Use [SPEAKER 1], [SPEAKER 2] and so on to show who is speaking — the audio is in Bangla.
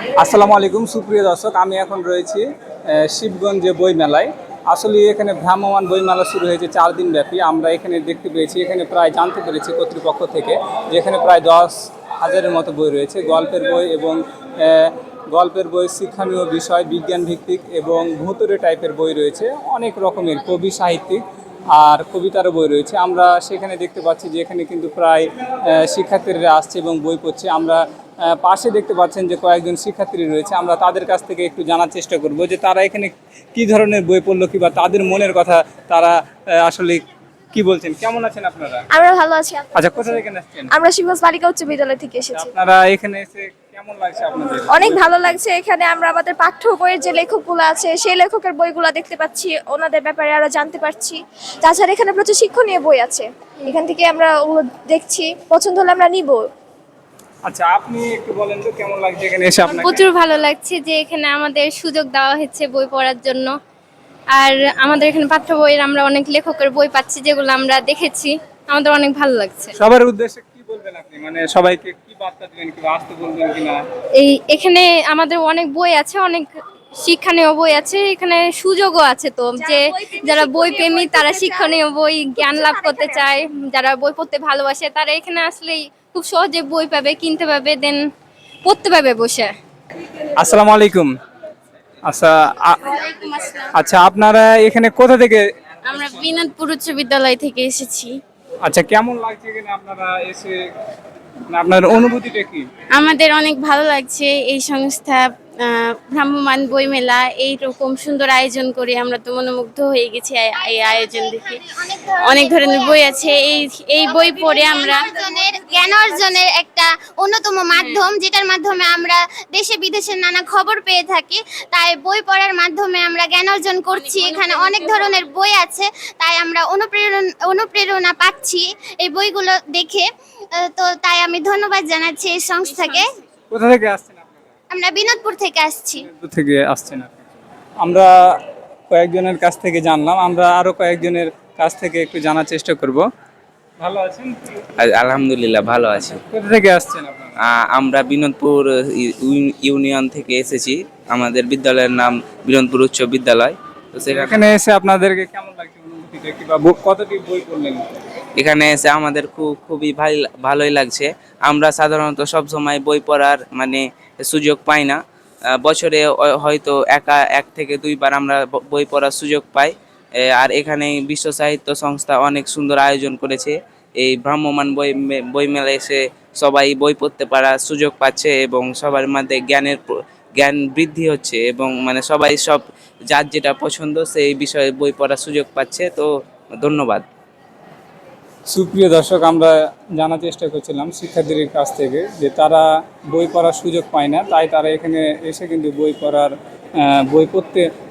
[SPEAKER 1] আসসালামু আলাইকুম সুপ্রিয় দর্শক, আমি এখন রয়েছি শিবগঞ্জে বই মেলায়। আসলে এখানে ভ্রাম্যমাণ বই মেলা শুরু হয়েছে 4 দিন ব্যাপী। আমরা এখানে দেখতে পেয়েছি, এখানে প্রায় জানতে পেরেছি কর্তৃপক্ষ থেকে যে এখানে প্রায় 10,000-এর মতো বই রয়েছে। গল্পের বই এবং শিক্ষণীয় বিষয়, বিজ্ঞান ভিত্তিক এবং ভুতুড়ে টাইপের বই রয়েছে। অনেক রকমের কবি সাহিত্যিক আর কবিতারও বই রয়েছে। আমরা সেখানে দেখতে পাচ্ছি যে এখানে কিন্তু প্রায় শিক্ষার্থীরা আসছে এবং বই পড়ছে। আমরা পাশে দেখতে পাচ্ছেন যে কয়েকজন শিক্ষার্থী রয়েছে। আমরা তাদের কাছ থেকে একটু জানার চেষ্টা করব যে তারা এখানে কি ধরনের বই পড়লো, কিংবা তাদের মনের কথা তারা আসলে কি বলছেন। কেমন আছেন আপনারা?
[SPEAKER 2] আমরা ভালো আছি।
[SPEAKER 1] আচ্ছা, কোথা থেকে আসছেন?
[SPEAKER 2] আমরা শিবগঞ্জ বালিকা উচ্চ বিদ্যালয় থেকে এসেছি।
[SPEAKER 1] আপনারা এখানে এসে কেমন লাগছে আপনাদের?
[SPEAKER 2] অনেক ভালো লাগছে। এখানে আমরা আমাদের পাঠ্য বইয়ের যে লেখকগুলো আছে সেই লেখকের বইগুলো দেখতে পাচ্ছি, ওনাদের ব্যাপারে আরো জানতে পারছি। তাছাড়া এখানে প্রচুর শিক্ষণীয় বই আছে, এখান থেকে আমরা ওগুলো দেখছি, পছন্দ হলে আমরা নিব।
[SPEAKER 1] আচ্ছা, আপনি একটু বলেন তো কেমন লাগছে এখানে এসে আপনাকে?
[SPEAKER 3] প্রচুর ভালো লাগছে যে এখানে আমাদের সুযোগ দেওয়া হচ্ছে বই পড়ার জন্য। আর আমাদের এখানে পাঠ্য বইয়ের আমরা অনেক লেখকের বই পাচ্ছি যেগুলো আমরা দেখেছি, আমাদের অনেক ভালো লাগছে।
[SPEAKER 1] সবার উদ্দেশ্যে কি বলবেন আপনি, মানে সবাইকে কি বার্তা দিবেন, কি আসতে বলবেন কিনা?
[SPEAKER 3] এখানে আমাদের অনেক বই আছে, অনেক শিক্ষণীয় বই আছে, এখানে সুযোগও আছে তো যে যারা বই প্রেমী তারা শিক্ষণীয় বই জ্ঞান লাভ করতে চায়, যারা বই পড়তে ভালোবাসে তারা এখানে আসলেই খুব সহজে বই পাবে, কিনতে পাবে, দেন পড়তে পাবে বসে।
[SPEAKER 1] আসসালামু আলাইকুম। আচ্ছা আচ্ছা, আপনারা এখানে কোথা থেকে?
[SPEAKER 3] আমরা বিনোদপুর উচ্চ বিদ্যালয় থেকে এসেছি।
[SPEAKER 1] আচ্ছা, কেমন লাগছে এখানে আপনারা এসে, আপনার অনুভূতিটা কি?
[SPEAKER 3] আমাদের অনেক ভালো লাগছে এই সংস্থা ভ্রাম্যমাণ বই মেলা এইরকম সুন্দর আয়োজন করে আমরা তো মনোমুগ্ধ হয়ে গেছি এই আয়োজন দেখে। অনেক ধরনের বই আছে, এই বই পড়ে আমরা
[SPEAKER 4] জ্ঞান অর্জনের একটা অন্যতম মাধ্যম, যেটার মাধ্যমে আমরা দেশে বিদেশের নানা খবর পেয়ে থাকি। তাই বই পড়ার মাধ্যমে আমরা জ্ঞান অর্জন করছি। এখানে অনেক ধরনের বই আছে, তাই আমরা অনুপ্রেরণা পাচ্ছি এই বইগুলো দেখে। তো তাই আমি ধন্যবাদ জানাচ্ছি এই সংস্থাকে।
[SPEAKER 1] কোথা থেকে আসছেন আপনারা?
[SPEAKER 4] আমরা বিনোদপুর থেকে আসছি।
[SPEAKER 1] বিনোদপুর থেকে আসছেন আপনি? আমরা কয়েকজনের কাছ থেকে জানলাম, আমরা আরো কয়েকজনের কাছ থেকে একটু জানার চেষ্টা করব। ভালো আছেন?
[SPEAKER 5] আলহামদুলিল্লাহ ভালো আছি।
[SPEAKER 1] কোথা থেকে আসছেন আপনারা?
[SPEAKER 5] আমরা বিনোদপুর ইউনিয়ন থেকে এসেছি। আমাদের বিদ্যালয়ের নাম বিনোদপুর উচ্চ বিদ্যালয়। তো
[SPEAKER 1] এখানে এসে আপনাদেরকে কেমন লাগছে, অনুভূতিটা কি, বা কতটি বই পড়লেন?
[SPEAKER 5] এখানে এসে আমাদের খুবই ভালোই লাগছে। আমরা সাধারণত সব সময় বই পড়ার সুযোগ পাই না। বছরে হয়তো এক থেকে দুইবার আমরা বই পড়ার সুযোগ পাই। আর এখানে বিশ্ব সাহিত্য সংস্থা অনেক সুন্দর আয়োজন করেছে। এই ভ্রাম্যমাণ বই মেলায় এসে সবাই বই পড়তে পারার সুযোগ পাচ্ছে এবং সবার মধ্যে জ্ঞান বৃদ্ধি হচ্ছে এবং সবাই সব যার যেটা পছন্দ সেই বিষয়ে বই পড়ার সুযোগ পাচ্ছে। তো ধন্যবাদ।
[SPEAKER 1] সুপ্রিয় দর্শক, আমরা জানার চেষ্টা করছিলাম শিক্ষার্থীদের কাছ থেকে যে তারা বই পড়ার সুযোগ পায় না, তাই তারা এখানে এসে কিন্তু বই পড়তে